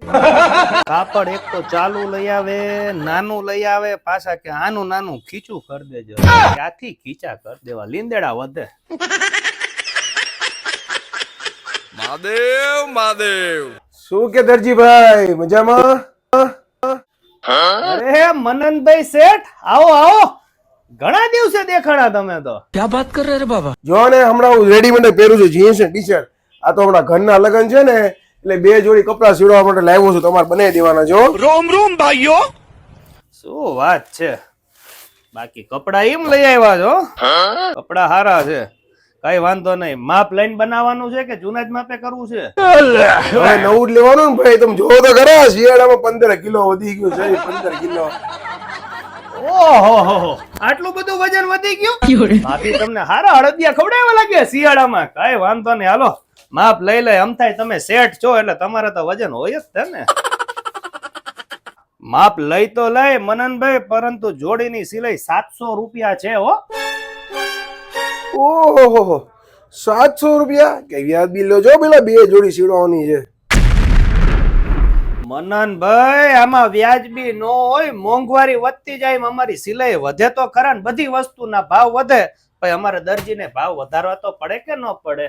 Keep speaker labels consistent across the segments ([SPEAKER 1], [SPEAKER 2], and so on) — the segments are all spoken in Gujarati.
[SPEAKER 1] કાપડ એક તો ચાલુ લઈ આવે, નાનું લઈ આવે, પાછા કે આનું નાનું ખીચું કરી દેજો. ક્યાંથી ખીચા કરી દેવા, લીંદેડા વધે.
[SPEAKER 2] મહાદેવ મહાદેવ.
[SPEAKER 3] શું કે દરજીભાઈ મજામાં?
[SPEAKER 1] અરે મનનભાઈ શેઠ, આવો આવો, ઘણા દિવસે દેખાડા તમે તો.
[SPEAKER 2] ક્યાં વાત કર રહે બાબા?
[SPEAKER 3] જો ને હમણાં હું રેડીમેડ પહેરું છું, જીન્સ ને ટી શર્ટ. આ તો હમણાં ઘરના લગ્ન છે ને એટલે 2 જોડી કપડા સીવડાવવા માટે લાવ્યો છું, તમારે બનાવી દેવાના જો.
[SPEAKER 2] રોમ રોમ ભાઈઓ.
[SPEAKER 1] શું વાત છે. બાકી કપડા એમ લઈ આવ્યા છો? કપડા હારા છે, કઈ વાંધો નહીં. માપ લઈને બનાવવાનું છે કે જૂના જ માપે કરવું છે?
[SPEAKER 3] હવે નવું જ લેવાનું ને ભાઈ, તમે જોવો તો ખરા, શિયાળામાં 15 કિલો વધી ગયું છે. 15 કિલો.
[SPEAKER 1] ઓહો, આટલું બધું વજન વધી ગયું? ભાભી તમને હારા અડદિયા ખવડાવવા લાગે શિયાળામાં. કઈ વાંધો નહીં, હાલો માપ લઈ લે. આમ થાય તમે શેઠ છો એટલે તમારે તો વજન હોય જ છે ને. માપ લઈ તો લઈ મનનભાઈ, પરંતુ જોડીની સિલાઈ 700 રૂપિયા છે હો.
[SPEAKER 3] ઓહો 700 રૂપિયા? કે વ્યાજબી લો જો પેલા 2 જોડી સીવડાવવાની છે.
[SPEAKER 1] મનનભાઈ આમાં વ્યાજબી નો હોય, મોંઘવારી વધતી જાય અમારી સિલાઈ વધે તો ખરા ને, બધી વસ્તુના ભાવ વધે. ભાઈ અમારે દરજીને ભાવ વધારવા તો પડે કે ન પડે?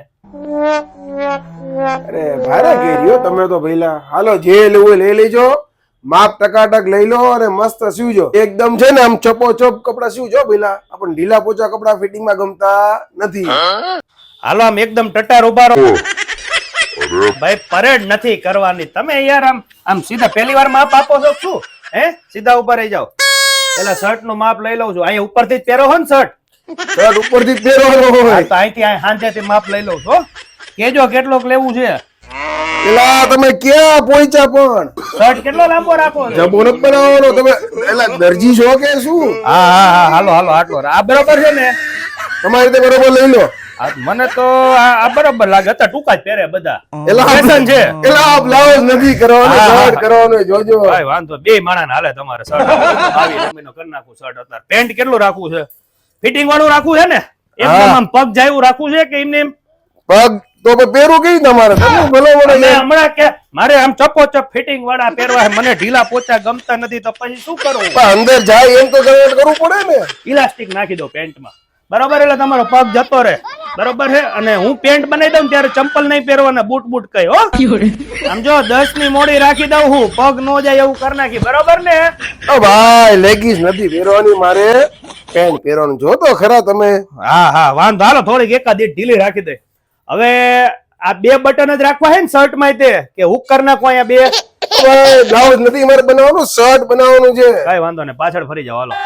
[SPEAKER 3] અરે ભારે કેરીઓ તમે તો ભઈલા. હાલો જે લેવું લઈ લેજો, માપ ટકાટક લઈ લો અને મસ્ત સીવજો. એકદમ છે ને આમ ચપોચપ કપડા સીવજો ભઈલા. આપણને ઢીલા પોચા કપડા ફિટિંગમાં ગમતા નથી.
[SPEAKER 1] હાલો આમ એકદમ ટટાર ઉભા રહો. ભાઈ પરેડ નથી કરવાની તમે યાર. આમ સીધા પહેલી વાર માપ આપો છો શું? હે સીધા ઉપર રહી જાઓ. પેલા શર્ટ નું માપ લઈ લઉં છું. અહીંયા ઉપરથી જ પહેરો હો ને શર્ટ?
[SPEAKER 3] શર્ટ ઉપરથી જ પહેરવાનો હોય
[SPEAKER 1] તો અહીંથી હાંચેથી માપ લઈ લઉં છું. કેજો કેટલોક લેવું છે.
[SPEAKER 3] એલા તમે ક્યાં પહોંચ્યા પણ?
[SPEAKER 1] શર્ટ કેટલો લાંબો રાખો છો?
[SPEAKER 3] જબો નથી બનાવવાનો તમે. એલા દરજી છો કે શું?
[SPEAKER 1] હા હાલો આટલો આ બરોબર છે ને?
[SPEAKER 3] તમારી રીતે બરોબર લઈ લો.
[SPEAKER 1] મને તો આ બરોબર લાગે. હતા ટૂંકા જ પહેરે બધા.
[SPEAKER 3] એલા
[SPEAKER 1] ફેશન છે.
[SPEAKER 3] એલા બ્લાઉઝ નથી કરવાનો, શર્ટ કરવાનો. જોજો
[SPEAKER 1] ભાઈ વાંધો બે માણસ હાલે તમારે શર્ટ. 22 મહિનો કરી નાખું શર્ટ. અત્યારે પેન્ટ કેટલું રાખવું છે? ફિટિંગ વાળું રાખવું છે ને? એકદમ આમ પગ જાયું રાખવું છે કે એમને
[SPEAKER 3] પગ તો પહેરું કઈ તમારે? તમે ભલો વડે
[SPEAKER 1] હમણાં કે મારે આમ ચપોચપ ફિટિંગ વાળા પહેરવા છે. મને ઢીલા પોચા ગમતા નથી તો પછી શું કરવું?
[SPEAKER 3] અંદર જાય એમ તો કરવું પડે ને.
[SPEAKER 1] ઇલાસ્ટિક નાખી દો પેન્ટમાં, બરોબર? એટલે તમારો પગ જતો રહે, બરોબર છે? અને હું પેન્ટ બનાવી દઉં ત્યારે ચંપલ નહીં પહેરવાના, બૂટ કઈ હો. આમ જો 10 ની મોડી રાખી દઉં હું, પગ નો જાય એવું કરી નાખી, બરોબર ને?
[SPEAKER 3] ઓ ભાઈ લેગીસ નથી પહેરવાની, મારે પેન્ટ પહેરવાનું. જો તો ખરા તમે.
[SPEAKER 1] હા વાંધો. હાલો થોડીક એકાદ ઢીલી રાખી દે. હવે આ 2 બટન જ રાખવા છે ને શર્ટ માં, તે કે હુક કરી નાખો અહીંયા 2?
[SPEAKER 3] બ્લાઉઝ નથી મારે બનાવવાનું, શર્ટ બનાવવાનું છે.
[SPEAKER 1] કઈ વાંધો નહીં, પાછળ ફરી જાવ. હાલો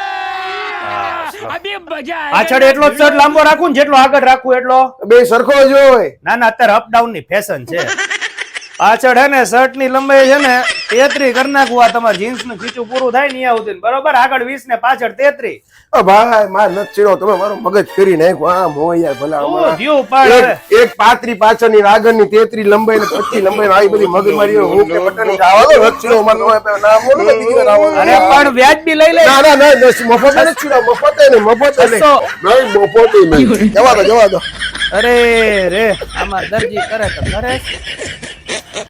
[SPEAKER 1] પાછળ એટલો જ શર્ટ લાંબો રાખું ને જેટલો આગળ રાખું એટલો.
[SPEAKER 3] બે સરખો જ હોય.
[SPEAKER 1] ના અત્યારે અપડાઉન ની ફેશન છે. પાછળ હે ને શર્ટ ની લંબાઈ છે ને 33 કરી નાખવું. આ તમારે જીન્સ નું ખીચું પૂરું થાય ને આવતું, બરોબર? આગળ 20 ને પાછળ 33.
[SPEAKER 3] ભાઈ માર નથી ચીડો, તમે મારો મગજ ફેરી નાખો. આમ હોય યાર ભલા. એક 35 પાછળની આગળની 33 લંબાઈ ને 25 લંબાઈ આવી બધી મગજમારી હું કે બટન આવો તો નથી ચીડો. મારો નામ બોલો ને દીકરા આવો.
[SPEAKER 1] અરે પણ વ્યાજબી લઈ લે.
[SPEAKER 3] ના મફત નથી ચીડો. મફત નહીં મફત નહીં. જવા દો.
[SPEAKER 1] અરે રે આમાં દરજી કરે તો કરે.